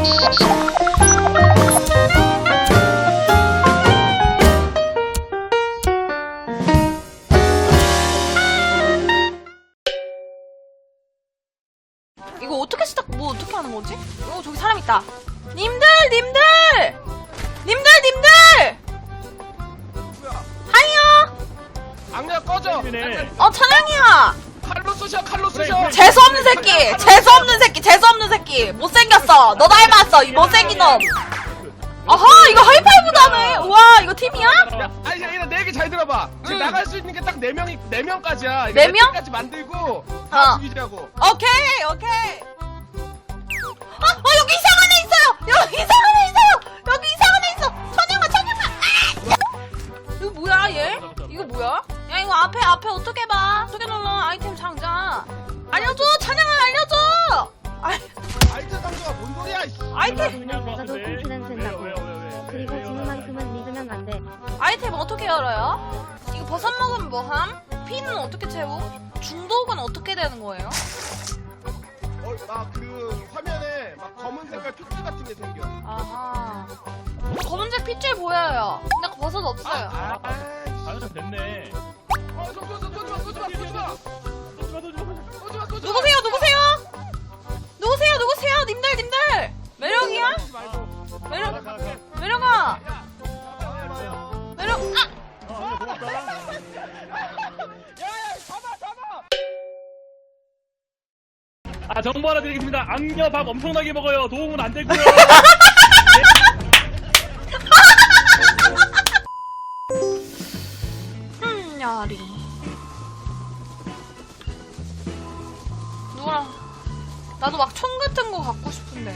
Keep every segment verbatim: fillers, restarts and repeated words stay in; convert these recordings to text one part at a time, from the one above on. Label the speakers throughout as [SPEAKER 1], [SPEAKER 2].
[SPEAKER 1] 이거 어떻게 시작, 뭐 어떻게 하는 거지? 어, 저기 사람 있다. 님들, 님들! 님들, 님들! 하이요!
[SPEAKER 2] 악녀 꺼져!
[SPEAKER 1] 어, 찬양이야!
[SPEAKER 2] 칼로 쑤셔, 칼로 쑤셔!
[SPEAKER 1] 재수없는 새끼! 재수없는 새끼! 재수없는 새끼! 못생겼어! 너 닮았어! 이 못생긴 놈! 아하! 이거 하이파이브도 하네! 우와, 이거 팀이야?
[SPEAKER 2] 야, 아니, 야, 내 얘기 잘 들어봐. 지금
[SPEAKER 1] 응.
[SPEAKER 2] 나갈 수 있는 게 딱 네 명이, 네 명까지야.
[SPEAKER 1] 네 명?
[SPEAKER 2] 까지 만들고,
[SPEAKER 1] 어.
[SPEAKER 2] 다 죽이자고.
[SPEAKER 1] 오케이, 오케이. 아, 어, 여기 이상한 애 있어요! 여기 이상한 애 있어요! 여기 이상한 애 있어! 천양아, 천양아! 아! 이거 뭐야, 얘? 이거 뭐야? 야, 이거 앞에, 앞에 어떻게 봐? 어떻게 눌러? 아이템 상자. 알려줘! 찬양아, 알려줘! 아,
[SPEAKER 2] 아이템 상자가 뭔 소리야, 이씨.
[SPEAKER 1] 아이템,
[SPEAKER 3] 내가 도 콩피는 쓴다고. 그리고 지금만큼은 믿으면 안 돼.
[SPEAKER 1] 아이템 어떻게 열어요? 이거 버섯 먹으면 뭐함? 피는 어떻게 채우? 중독은 어떻게 되는 거예요?
[SPEAKER 2] 어, 막 그, 화면에 막 검은 색깔 핏줄 같은 게 생겨.
[SPEAKER 1] 아하. 검은색 핏줄 보여요. 근데 버섯 없어요.
[SPEAKER 2] 아, 아,
[SPEAKER 4] 아, 됐네.
[SPEAKER 2] 어, 쏘, 쏘, 쏘, 쏘지 마, 쏘지 마, 쏘지 마. 쏘지 마, 쏘지 마.
[SPEAKER 1] 누구세요? 누구세요? 누구세요? 누구세요? 님들, 님들! 매력이야?
[SPEAKER 2] 쏘지 말고.
[SPEAKER 1] 매력,
[SPEAKER 4] 가, 가.
[SPEAKER 1] 매력아!
[SPEAKER 2] 야, 잡아요.
[SPEAKER 1] 매력, 아!
[SPEAKER 4] 아, 고맙다.
[SPEAKER 2] 야, 야, 잡아, 잡아.
[SPEAKER 4] 아, 정보 하나 드리겠습니다. 악녀 밥 엄청나게 먹어요. 도움은 안 되고요.
[SPEAKER 1] 음, 야리. 누구랑, 나도 막 총 같은 거 갖고 싶은데.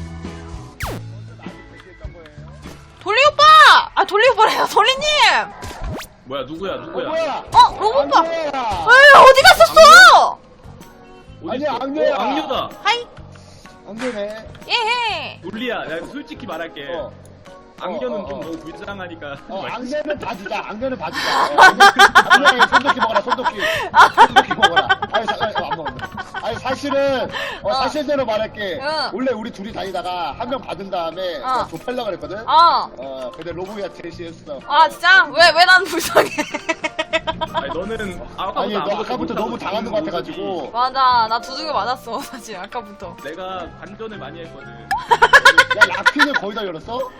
[SPEAKER 1] 돌리 오빠! 아, 돌리 오빠래요. 돌리님!
[SPEAKER 5] 뭐야 누구야 누구야?
[SPEAKER 6] 뭐야?
[SPEAKER 1] 어, 로봇 오빠!
[SPEAKER 6] 악녀야.
[SPEAKER 1] 에이, 어디 갔었어?
[SPEAKER 5] 어디
[SPEAKER 6] 아니야,
[SPEAKER 5] 있어?
[SPEAKER 6] 악녀야.
[SPEAKER 5] 어, 악녀다.
[SPEAKER 1] 하이,
[SPEAKER 6] 악녀네.
[SPEAKER 1] 예헤.
[SPEAKER 5] 논리야. 내가 솔직히 말할게.
[SPEAKER 6] 어.
[SPEAKER 5] 악녀는
[SPEAKER 6] 어, 어,
[SPEAKER 5] 좀
[SPEAKER 6] 어.
[SPEAKER 5] 너무 불쌍하니까.
[SPEAKER 6] 어, 악녀는 봐주자. 악녀는 봐주자. 어, 악녀야, 손도끼 먹어라. 손도끼. 손도끼 먹어라. 아니, 사, 아니, 안 먹었네. 아니 사실은 어,
[SPEAKER 1] 어.
[SPEAKER 6] 사실대로 말할게.
[SPEAKER 1] 응.
[SPEAKER 6] 원래 우리 둘이 다니다가 한 명 받은 다음에
[SPEAKER 1] 어.
[SPEAKER 6] 어. 좁혀려고 그랬거든.
[SPEAKER 1] 어.
[SPEAKER 6] 어, 근데 로브야 제시했어.
[SPEAKER 1] 아, 진짜? 왜, 왜 난 불쌍해?
[SPEAKER 5] 아니 너는 아까부터
[SPEAKER 6] 아니 너
[SPEAKER 5] 아무것도
[SPEAKER 6] 아까부터
[SPEAKER 5] 못하고
[SPEAKER 6] 너무 당하는 것 같아가지고.
[SPEAKER 1] 맞아, 나 두들겨 맞았어, 사실, 아까부터.
[SPEAKER 5] 내가 반전을 많이 했거든.
[SPEAKER 6] 야 라피는 거의 다 열었어?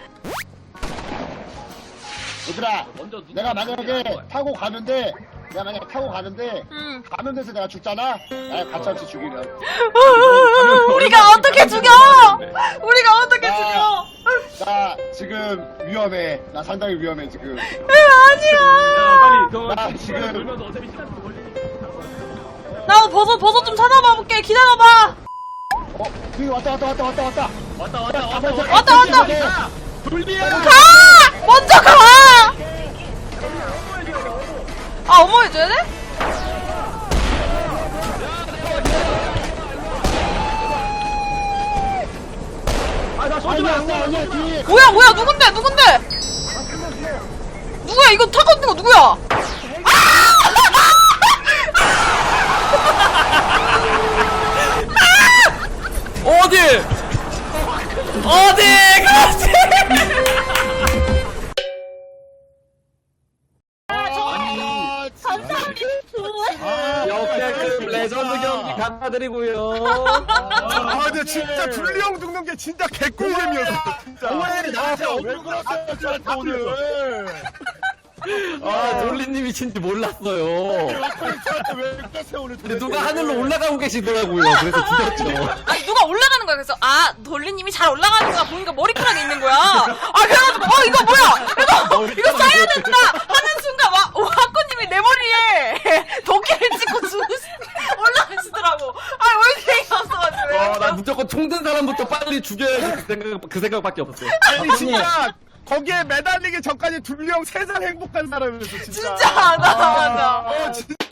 [SPEAKER 6] 얘들아,
[SPEAKER 5] 먼저 누구
[SPEAKER 6] 내가
[SPEAKER 5] 누구야,
[SPEAKER 6] 만약에
[SPEAKER 5] 누구야.
[SPEAKER 6] 타고 가는데, 내가 만약에 타고 가는데,
[SPEAKER 1] 응.
[SPEAKER 6] 가는 데서 내가 죽잖아? 나 같이 같이 죽이면.
[SPEAKER 1] 우리가 어떻게 죽여! 우리가 어떻게
[SPEAKER 6] 나-
[SPEAKER 1] 죽여!
[SPEAKER 6] 나 지금 위험해. 나 상당히 위험해, 지금.
[SPEAKER 1] 아니야!
[SPEAKER 5] 야 빨리 그거
[SPEAKER 6] 나 지금-
[SPEAKER 5] 돌면서 어차피 시간 좀 걸리니까.
[SPEAKER 1] 나 버섯, 버섯 좀 찾아봐 볼게. 기다려봐.
[SPEAKER 6] 어, 여기 왔다, 왔다, 왔다, 왔다, 왔다.
[SPEAKER 5] 왔다 왔다 왔다
[SPEAKER 6] 먼저
[SPEAKER 5] 왔다.
[SPEAKER 1] 왔다, 왔다.
[SPEAKER 6] 가.
[SPEAKER 5] 돌리야.
[SPEAKER 1] 가! 먼저 가! 아, 어머 해줘야 돼?
[SPEAKER 5] 아나 쏘지
[SPEAKER 6] 아니야,
[SPEAKER 5] 마.
[SPEAKER 6] 아니야, 아니야, 뒤에.
[SPEAKER 1] 뭐야, 뭐야, 누군데, 누군데? 누구야, 이거 타고 있는 거 누구야?
[SPEAKER 5] 어디? 어디? 그렇지.
[SPEAKER 6] 아,
[SPEAKER 5] 역대급 레전드 경기 감사드리고요.
[SPEAKER 2] 아, 근데 진짜 둘리 형 죽는 게 진짜 개꿀잼이었어. 진짜.
[SPEAKER 6] 왜 나한테 왜 그러세요, 오늘?
[SPEAKER 7] 아, 돌리님이 진지 몰랐어요.
[SPEAKER 6] 왜 그러세요, 오늘?
[SPEAKER 7] 근데 누가 하늘로 올라가고 계시더라고요. 그래서 죽였죠.
[SPEAKER 1] 아니, 누가 올라가는 거야. 그래서, 아, 돌리님이 잘 올라가는 거야. 보니까 머리카락이 있는 거야. 아, 그래가지고, 어, 이거 뭐야? 이거, 이거 써야 된다! 하는 순간, 와, 와, 학구님이 내 머리에 도끼를 찍고 죽으시, 올라가시더라고. 아, 왜 이렇게 없어가지고.
[SPEAKER 7] 어, 나 무조건 총 든 사람부터 빨리 죽여야지 그 생각, 그 생각밖에 없었어요.
[SPEAKER 2] 아니, 진짜. 거기에 매달리기 전까지 둘리 형 세상 행복한 사람이었어, 진짜.
[SPEAKER 1] 진짜, 맞아, 맞아.
[SPEAKER 2] 어, 진짜.